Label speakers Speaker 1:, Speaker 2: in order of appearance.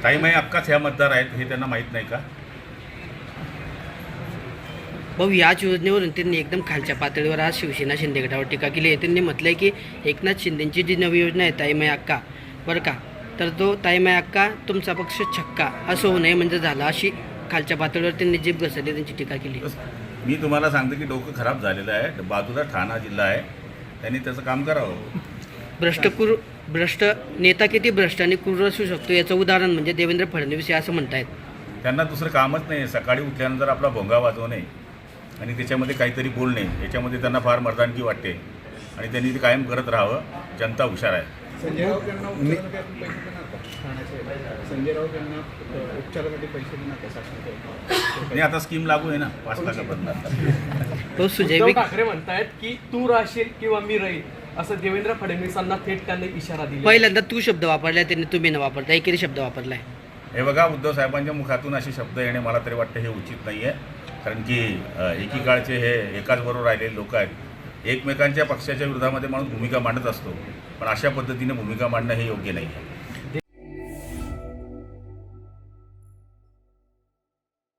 Speaker 1: ताईमाई अक्काच ह्या मतदार आहेत हे त्यांना माहीत नाही का?
Speaker 2: भाऊ, याच योजनेवरून त्यांनी एकदम खालच्या पातळीवर आज शिवसेना शिंदे गटावर टीका केली आहे. त्यांनी म्हटलंय की एकनाथ शिंदेची जी नवी योजना आहे ताईमाई अक्का, बरं का, तर तो ताईमाई अक्का तुमचा पक्ष छक्का असं होऊ नये म्हणजे झालं, अशी खालच्या पातळीवर त्यांनी जीभ घसरली, त्यांची टीका केली.
Speaker 1: मी तुम्हाला सांगतो की डोकं खराब झालेलं आहे. बाजूला ठाणा जिल्हा आहे, त्यांनी त्याचं काम करावं.
Speaker 2: भ्रष्ट नेता किती भ्रष्ट आणि क्रूर असू शकतो याचं उदाहरण म्हणजे देवेंद्र फडणवीस हे असं म्हणतायत.
Speaker 1: त्यांना दुसरं कामच नाही. सकाळी उठल्यानंतर आपला भोंगा वाजवणे आणि त्याच्यामध्ये काहीतरी बोलणे, याच्यामध्ये त्यांना फार मर्दानगी वाटते आणि त्यांनी ते कायम करत राहावं. जनता हुशार आहे.
Speaker 3: संजय राऊत यांना उपचारासाठी पैसे देणार का? ठाण्याचे संजय राऊत यांना उपचारासाठी पैसे देणार का शासनाकडे?
Speaker 1: आणि आता स्कीम लागू आहे ना 5 लाखापर्यंत.
Speaker 2: तो सुजय
Speaker 4: उद्धव ठाकरे म्हणतायत की तू राहशील किंवा मी राहील, असं देवेंद्र फडणवीसांना थेट त्यांनी इशारा दिला.
Speaker 2: पहिल्यांदा तू शब्द वापरलाय, त्यांनी तुम्ही न वापरता एकेरी शब्द वापरलाय.
Speaker 1: हे बघा, उद्धव साहेबांच्या मुखातून असे शब्द येणे मला तरी वाटतं हे उचित नाही आहे. कारण की एकीकाळचे हे एकाच बरोबर राहिलेले लोक आहेत. एकमेकांच्या पक्षाच्या विरोधामध्ये माणूस भूमिका मांडत असतो, पण अशा पद्धतीने भूमिका मांडणं हे योग्य नाही आहे.